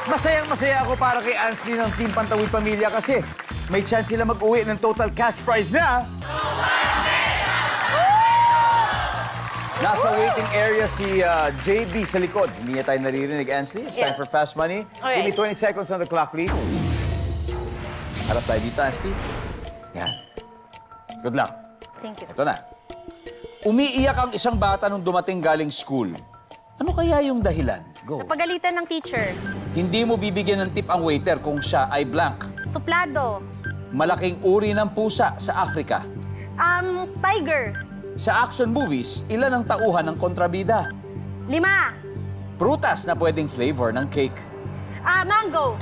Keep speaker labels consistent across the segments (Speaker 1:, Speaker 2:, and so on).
Speaker 1: Masayang-masaya ako para kay Ansley ng Team Pantawid Pamilya kasi may chance sila mag-uwi ng total cash prize na... Nasa waiting area si JB sa likod. Hindi niya tayo naririnig, Ansley. It's time
Speaker 2: Yes.
Speaker 1: for Fast Money.
Speaker 2: Okay.
Speaker 1: Give me 20 seconds on the clock, please. Harap tayo dito, Ansley. Yan. Good luck.
Speaker 2: Thank you.
Speaker 1: Ito na. Umiiyak ang isang bata nung dumating galing school. Ano kaya yung dahilan? Go.
Speaker 2: Napagalitan ng teacher.
Speaker 1: Hindi mo bibigyan ng tip ang waiter kung siya ay blank.
Speaker 2: Suplado.
Speaker 1: Malaking uri ng pusa sa Africa.
Speaker 2: Tiger.
Speaker 1: Sa action movies, ilan ang tauhan ng kontrabida?
Speaker 2: 5.
Speaker 1: Prutas na pwedeng flavor ng cake.
Speaker 2: Mango.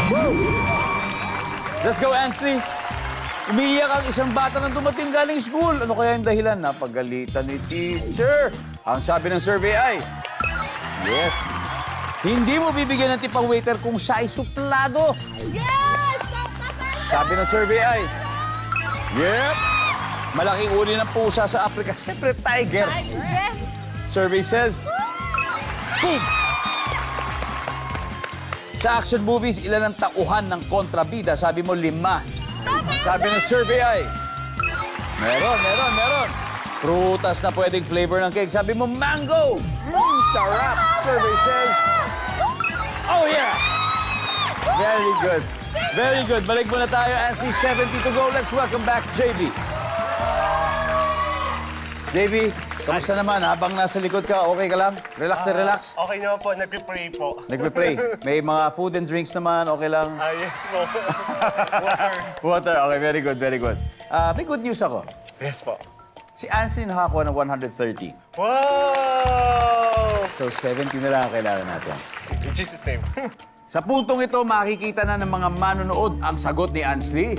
Speaker 1: Let's go, Anthony! Umiiyak ang isang bata nang dumating galing school. Ano kaya yung dahilan? Napagalitan ni teacher. Ang sabi ng survey ay... Yes! Hindi mo bibigyan ng tip ang waiter kung siya ay suplado.
Speaker 2: Yes!
Speaker 1: Sabi ng survey ay... Yep! Malaking uri ng pusa sa Africa. Siyempre, tiger.
Speaker 2: Yes!
Speaker 1: Survey says... Boom! Sa action movies, ilan ang tauhan ng kontrabida? Sabi mo, 5. Sabi ng survey ay... Meron. Prutas na pwedeng flavor ng cake. Sabi mo, mango! Sarap! Survey says... Oh, yeah! Very good. Very good. Balik muna tayo. Ansley, 70 to go. Let's welcome back JB. JB, kamusta naman? Habang nasa likod ka, okay ka lang? Relax na relax?
Speaker 3: Okay naman po, nagpipray po.
Speaker 1: Nagpe-pray. May mga food and drinks naman, okay lang?
Speaker 3: Yes po. Water.
Speaker 1: Water, okay, very good, very good. May good news ako.
Speaker 3: Yes po.
Speaker 1: Si Ansley nakakuha ng 130.
Speaker 3: Wow!
Speaker 1: So, 70 na lang ang kailangan natin.
Speaker 3: In Jesus' name.
Speaker 1: Sa puntong ito, makikita na ng mga manonood ang sagot ni Ansley.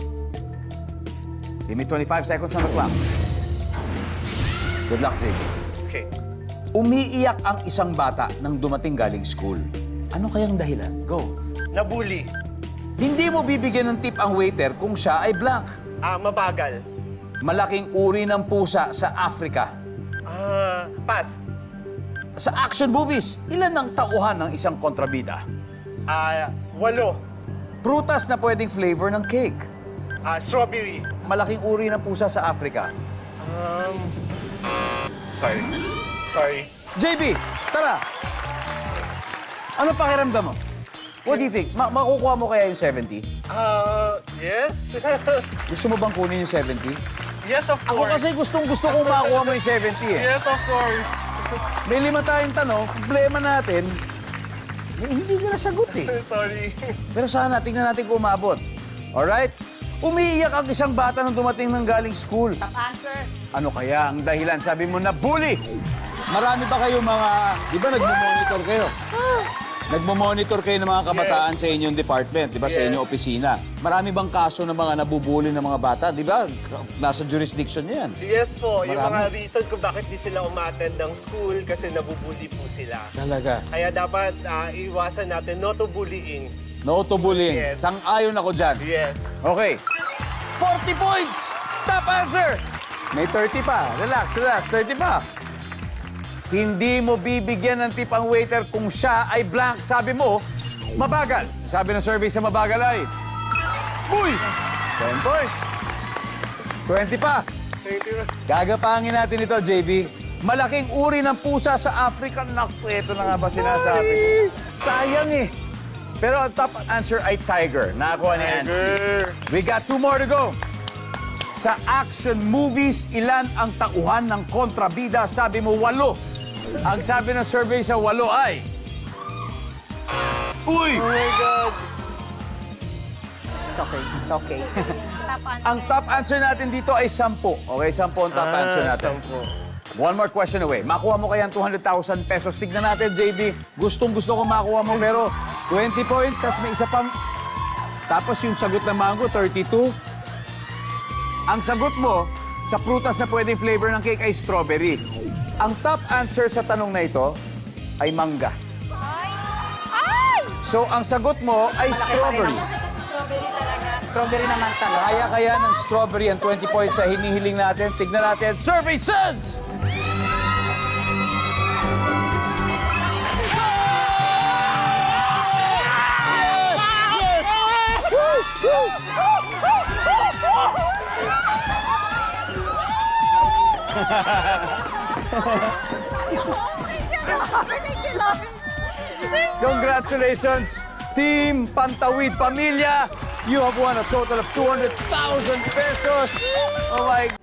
Speaker 1: Give me 25 seconds on the clock. Good luck, JB.
Speaker 3: Okay.
Speaker 1: Umiiyak ang isang bata nang dumating galing school. Ano kayang dahilan? Go.
Speaker 3: Nabully.
Speaker 1: Hindi mo bibigyan ng tip ang waiter kung siya ay blank.
Speaker 3: Mabagal.
Speaker 1: Malaking uri ng pusa sa Africa.
Speaker 3: Pass.
Speaker 1: Sa action movies, ilan ang tauhan ng isang kontrabida?
Speaker 3: 8.
Speaker 1: Prutas na pwedeng flavor ng cake.
Speaker 3: Strawberry.
Speaker 1: Malaking uri ng pusa sa Africa.
Speaker 3: Sorry.
Speaker 1: JB, tara! Ano pakiramdam mo? What do you think? Makukuha mo kaya yung 70?
Speaker 3: Yes.
Speaker 1: Gusto mo bang kunin yung 70?
Speaker 3: Yes, of
Speaker 1: Ako
Speaker 3: course.
Speaker 1: kasi gustong-gusto kong makuha mo yung 70 eh.
Speaker 3: Yes, of course.
Speaker 1: May 5 tayong tanong, problema natin, hindi ka nasagot eh.
Speaker 3: Sorry.
Speaker 1: Pero sana, tingnan natin kung umabot. Alright? Umiiyak ang isang bata nung dumating ng galing school.
Speaker 2: Answer.
Speaker 1: Ano kaya ang dahilan? Sabi mo na bully. Marami ba kayo mga... Di ba nagmo-monitor kayo? Nagmo-monitor kayo ng mga kabataan sa inyong department, di ba? Sa
Speaker 3: Yes.
Speaker 1: inyong opisina. Marami bang kaso ng mga nabubuli ng mga bata? Di ba? Nasa jurisdiction niyo yan.
Speaker 3: Yes po, yung
Speaker 1: Marami.
Speaker 3: mga reason kung bakit di sila umattend ng school kasi nabubuli po sila.
Speaker 1: Talaga.
Speaker 3: Kaya dapat iwasan natin no to bullying.
Speaker 1: No to bullying.
Speaker 3: Yes.
Speaker 1: Sang-ayon ako dyan.
Speaker 3: Yes.
Speaker 1: Okay. 40 points! Top answer! May 30 pa. Relax. 30 pa. Hindi mo bibigyan ng tip ang waiter kung siya ay blank. Sabi mo, mabagal. Sabi ng survey sa mabagal ay... Uy! 10 points. 20 pa.
Speaker 3: Thank you.
Speaker 1: Gagapangin natin ito, JB. Malaking uri ng pusa sa Africa. Naku, ito na nga ba sinasabi ko? Sayang eh. Pero ang top answer ay tiger. Nakakuha ni Ansley. We got 2 more to go. Sa action movies, ilan ang tauhan ng kontrabida? Sabi mo, 8. Ang sabi ng survey sa 8 ay... Uy!
Speaker 3: Oh my God.
Speaker 2: It's okay. Top answer.
Speaker 1: Ang top answer natin dito ay 10. Okay, 10 ang top answer natin.
Speaker 3: 10.
Speaker 1: One more question away. Makuha mo kaya ang 200,000 pesos. Tignan natin, JB. Gustong-gusto ko makuha mo. Pero 20 points, tapos may isa pang... Tapos yung sagot ng mango, 32. Ang sagot mo, sa prutas na pwedeng flavor ng cake ay strawberry. Ang top answer sa tanong na ito ay mangga.
Speaker 2: Ay!
Speaker 1: So, ang sagot mo ay strawberry.
Speaker 2: Strawberry talaga.
Speaker 4: Strawberry naman talaga.
Speaker 1: Kaya ng strawberry ang 20 points sa hinihiling natin. Tignan natin. Survey says... Congratulations, Team Pantawid Pamilya. You have won a total of 200,000 pesos. Oh my